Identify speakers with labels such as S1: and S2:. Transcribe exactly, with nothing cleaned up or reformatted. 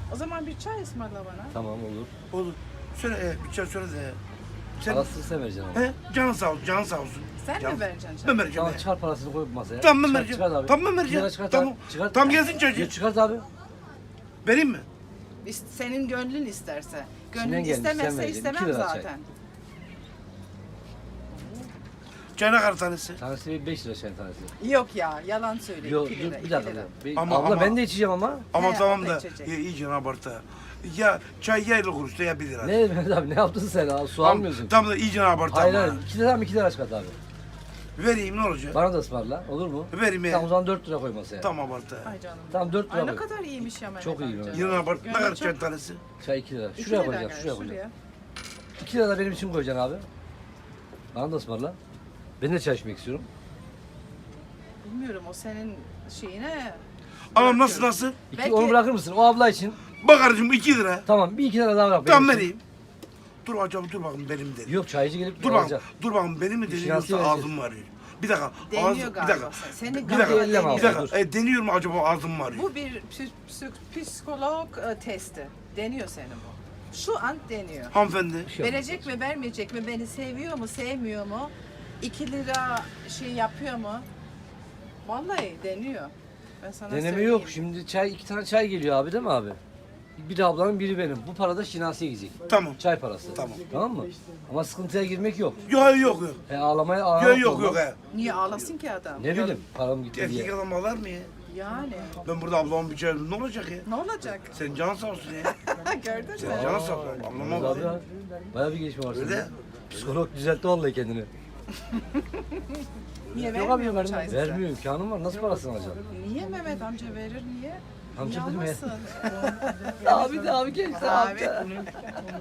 S1: O zaman bir çay ısmarla bana.
S2: Tamam olur.
S3: Olur. Söyle e, bir çay söyle de. Sen,
S2: Parasını sen vereceksin ama.
S3: he? Canın sağ olsun, canın sağ olsun.
S1: Sen
S3: Can-
S1: mi vereceksin çay?
S3: Ben vereceğim.
S2: Tamam
S3: he.
S2: çıkar parasını koy masaya.
S3: Tamam ben
S2: Çıkar-
S3: vereceğim.
S2: Çıkart abi.
S3: Tamam ben
S2: İki
S3: vereceğim.
S2: lira çıkart
S3: Tamam.
S2: abi. Çıkart.
S3: Tamam gelsin çocuğu.
S2: Ya çıkart abi.
S3: Vereyim mi?
S1: İst- Senin gönlün isterse.
S2: İçinden
S1: Gönlün
S2: gelmiş, sen
S1: istemezse
S2: vereceksin. İki
S1: istemem
S2: lira çay.
S1: zaten.
S3: Çayına kar tanesi.
S2: Tanesi bir beş lira çayın tanesi.
S1: Yok ya, yalan söyle.
S2: Yok
S1: iki
S2: dur
S1: lira,
S2: bir
S1: iki
S2: dakika.
S1: lira.
S2: Bir-
S3: Ama-
S2: Abla
S3: ama-
S2: ben de içeceğim ama.
S3: Ama
S1: He,
S3: tamam
S1: o da
S3: da
S1: içecek.
S3: ya, iyice abartı. Ya çay ya elli kuruşta ya bir lira.
S2: Ne Mehmet abi ne yaptın sen abi? Su
S3: Tam,
S2: almıyorsun.
S3: tam da iyice abartı
S2: Hayır
S3: ama.
S2: hayır. iki lira mı iki lira çıkart abi.
S3: Vereyim ne olacak?
S2: Bana da ısmarla. Olur mu?
S3: Vereyim ya.
S2: Tamam o zaman dört lira koy masaya.
S3: Tam abartı.
S1: Ay canım.
S2: Tamam dört lira
S1: Ay ne
S2: koy.
S1: kadar iyiymiş ya Mehmet
S2: Çok iyi
S1: amca.
S2: Mehmet.
S3: Yine abartı. Ne
S1: Gönlü
S3: kadar
S1: çok-
S3: çay tanesi?
S2: Çay iki lira.
S1: İki
S2: Şuraya
S1: lira
S2: koyacağım,
S1: gel,
S2: şuraya koyacağım.
S1: şuraya.
S2: iki lira da benim için koyacaksın abi. Bana da ısmarla. Ben de çay içmek istiyorum.
S1: Bilmiyorum o senin şeyine.
S3: Anam nasıl nasıl?
S2: İki,
S1: Belki-
S2: Onu bırakır mısın? O abla için.
S3: Bak kardeşim iki lira.
S2: Tamam bir iki lira daha bırak. benim
S3: Tamam
S2: için.
S3: vereyim. Dur acaba dur bakın benim dedi.
S2: Yok çaycı gelip
S3: Dur
S2: alacak.
S3: bakın. Dur bakın benim mi dedi
S2: İşin
S3: yoksa
S2: aslı
S3: ağzım mı arıyor? Bir dakika.
S1: Deniyor
S3: ağzım-
S1: galiba.
S3: Bir dakika.
S1: Seni
S3: Bir
S1: galiba
S3: dakika.
S2: elleme
S3: Bir
S2: abla,
S1: deniyor.
S3: dakika. E, deniyor mu acaba ağzım mı arıyor?
S1: Bu bir psi- psi- psikolog e, testi. Deniyor seni bu. Şu an deniyor.
S3: Hanımefendi.
S2: Bir şey yok.
S1: Verecek mi vermeyecek mi? Beni seviyor mu sevmiyor mu? iki lira şey yapıyor mu? Vallahi deniyor. Ben sana
S2: Deneme
S1: söyleyeyim.
S2: yok. Şimdi çay iki tane çay geliyor abi değil mi abi? Biri ablanın biri benim. Bu para da Şinasi'ye gidecek.
S3: Tamam.
S2: Çay parası.
S3: Tamam.
S2: Tamam mı? Ama sıkıntıya girmek yok.
S3: Yok yok yok.
S2: E ağlamaya ağlamak
S3: Yok yok
S2: olmaz.
S3: yok. he.
S1: Niye ağlasın ki adam?
S2: Ne bileyim param gitti
S3: Erkek
S2: diye.
S3: adam ağlar mı ya?
S1: Yani.
S3: Ben burada ablamın bir çay ne olacak ya?
S1: Ne olacak?
S3: Senin canın sağ olsun ya.
S1: Gördün mü?
S3: Senin canın sağ olsun. Ablama
S2: Abi
S3: bak.
S2: ya, bayağı bir gelişme var
S3: Öyle.
S2: sende. Psikolog düzeltti vallahi kendini.
S1: Niye
S2: Yok abi
S1: vermiyor mu
S2: vermiyor.
S1: çay size?
S2: Vermiyor imkanım var. Nasıl parasını alacaksın?
S1: Niye Mehmet amca verir niye?
S2: Amca
S1: Niye
S2: dedim ya.
S1: almasın?
S2: Abi de abi gençler
S1: Abi.